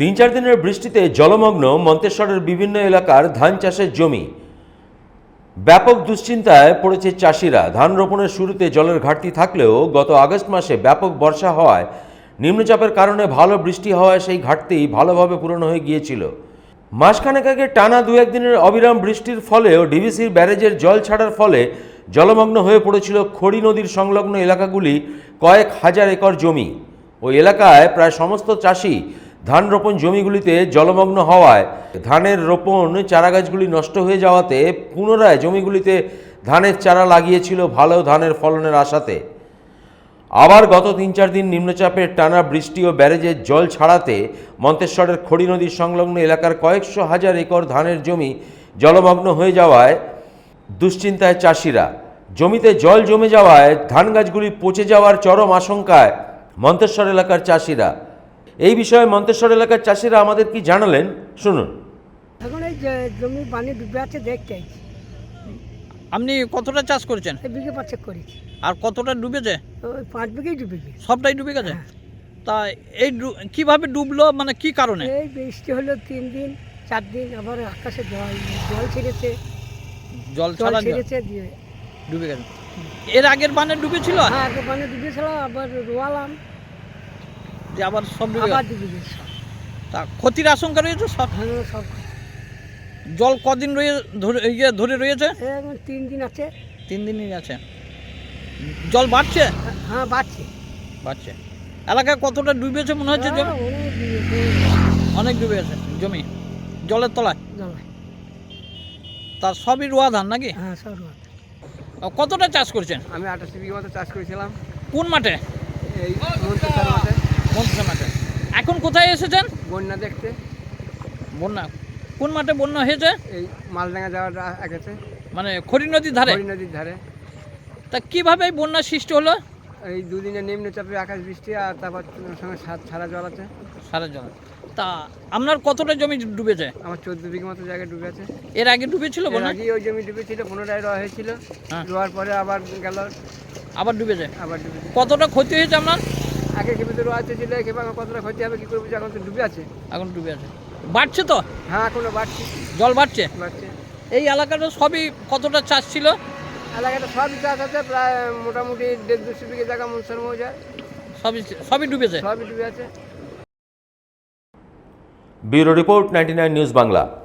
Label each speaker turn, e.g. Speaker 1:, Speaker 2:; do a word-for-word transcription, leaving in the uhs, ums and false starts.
Speaker 1: তিন চার দিনের বৃষ্টিতে জলমগ্ন মন্তেশ্বরের বিভিন্ন এলাকার ধান চাষের জমি। ব্যাপক দুশ্চিন্তায় পড়েছে চাষিরা। ধান রোপণের শুরুতে জলের ঘাটতি থাকলেও গত আগস্ট মাসে ব্যাপক বর্ষা হওয়ায় নিম্নচাপের কারণে ভালো বৃষ্টি হওয়ায় সেই ঘাটতি ভালোভাবে পূরণ হয়ে গিয়েছিল। মাসখানেক আগে টানা দু একদিনের অবিরাম বৃষ্টির ফলেও ডিভিসির ব্যারেজের জল ছাড়ার ফলে জলমগ্ন হয়ে পড়েছিল খড়ি নদীর সংলগ্ন এলাকাগুলি কয়েক হাজার একর জমি। ওই এলাকায় প্রায় সমস্ত চাষি ধান রোপণ জমিগুলিতে জলমগ্ন হওয়ায় ধানের রোপণ চারাগাছগুলি নষ্ট হয়ে যাওয়াতে পুনরায় জমিগুলিতে ধানের চারা লাগিয়েছিল ভালো ধানের ফলনের আশাতে। আবার গত তিন চার দিন নিম্নচাপের টানা বৃষ্টি ও ব্যারেজের জল ছাড়াতে মন্তেশ্বরের খড়ি নদীর সংলগ্ন এলাকার কয়েকশো হাজার একর ধানের জমি জলমগ্ন হয়ে যাওয়ায় দুশ্চিন্তায় চাষিরা। জমিতে জল জমে যাওয়ায় ধান গাছগুলি পচে যাওয়ার চরম আশঙ্কায় মন্তেশ্বর এলাকার চাষিরা। এই বিষয়ে মন্তেশ্বর এলাকার চাষিরা আমাদের কি জানালেন শুনুন।
Speaker 2: এখন এই যে জমি পানি ডুবে আছে দেখতে আইছি।
Speaker 3: আপনি কতটা চাষ করেছেন?
Speaker 2: এই বিঘে পাঁচেক করেছি।
Speaker 3: আর কতটা ডুবেছে?
Speaker 2: ওই পাঁচ বিঘেই ডুবে গেছে।
Speaker 3: সবটাই ডুবে গেছে?
Speaker 2: হ্যাঁ।
Speaker 3: তা এই ডু- কিভাবে ডুবলো, মানে কি কারণে?
Speaker 2: এই বৃষ্টি হলো তিন দিন চার দিন, আবার আকাশে জল জল ছেড়েছে
Speaker 3: জল
Speaker 2: জল
Speaker 3: ছাড়া জল
Speaker 2: ছেড়েছে দিয়ে
Speaker 3: ডুবে গেছে। এর আগের বানে ডুবেছিল,
Speaker 2: হ্যাঁ আগে পানি ডুবেছিল, আবার রোয়ালাম
Speaker 3: যে আবার সব ডুবে
Speaker 2: আবার
Speaker 3: গেছে।
Speaker 2: ডুবে গেছে সব।
Speaker 3: তা ক্ষতির আশঙ্কা রয়েছে সব?
Speaker 2: হ্যাঁ সব।
Speaker 3: জল কদিন রয়ে ধরে ইয়ে ধরে রয়েছে?
Speaker 2: এই এখন তিন দিন আছে।
Speaker 3: তিন দিনই আছে। জল বাড়ছে?
Speaker 2: হ্যাঁ বাড়ছে
Speaker 3: বাড়ছে। এলাকায় কতটা ডুবেছে মনে হচ্ছে? জমি
Speaker 2: হ্যাঁ, অনেক ডুবেছে,
Speaker 3: অনেক ডুবে গেছে জমি জলের তলায়।
Speaker 2: জলে।
Speaker 3: তার সবই রোয়া ধান নাকি?
Speaker 2: হ্যাঁ সব রোয়া।
Speaker 3: কতটা চাষ করছেন?
Speaker 4: আমি আঠাশি বিঘা মতো চাষ করেছিলাম
Speaker 3: কোন মাঠে?
Speaker 4: এই মন্ত্রিসার মাঠে।
Speaker 3: মন্ত্রী মাঠে। এখন কোথায় এসেছেন?
Speaker 4: বন্যা দেখতে।
Speaker 3: বন্যা কোন মাঠে বন্যা হয়েছে?
Speaker 4: এই মালডাঙ্গা যাওয়ার আগেছে,
Speaker 3: মানে খড়ি নদীর ধারে।
Speaker 4: হরি নদীর ধারে।
Speaker 3: তা কিভাবে এই বন্যা সৃষ্টি হলো?
Speaker 4: এই দুদিনে নিম্নচাপে আকাশ বৃষ্টি আর তারপর সঙ্গে সাত- ছাড়া জল আছে।
Speaker 3: সারা জল। তা আপনার কতটা জমি ডুবেছে?
Speaker 4: আমার চোদ্দ বিঘা মতো জায়গায় ডুবে আছে।
Speaker 3: এর আগে ডুবেছিল
Speaker 4: এর
Speaker 3: বন্যা?
Speaker 4: আগেই ওই জমি ডুবেছিল, পুনরায় রোয়া হয়েছিল।
Speaker 3: হ্যাঁ।
Speaker 4: রোয়ার পরে আবার গেল,
Speaker 3: আবার ডুবেছে।
Speaker 4: আবার ডুবে।
Speaker 3: কতটা ক্ষতি হয়েছে আপনার?
Speaker 4: আগে খেপে তো রোয়া ছিল, খেপে আমার কতটা ক্ষতি হবে কী করবো, এখন তো ডুবে আছে।
Speaker 3: এখন ডুবে আছে। বাড়ছে তো?
Speaker 4: হ্যাঁ এখনো বাড়ছে
Speaker 3: জল বাড়ছে।
Speaker 4: বাড়ছে।
Speaker 3: এই এলাকাটা সবই কতটা চাষ ছিল?
Speaker 4: এলাকাটা সবই চাষ আছে, প্রায় মোটামুটি দেড় দুশো বিঘে জায়গা মনসর মৌজার,
Speaker 3: সবই সবই ডুবেছে।
Speaker 4: সবই ডুবে আছে।
Speaker 1: Bureau report, ninety nine news Bangla.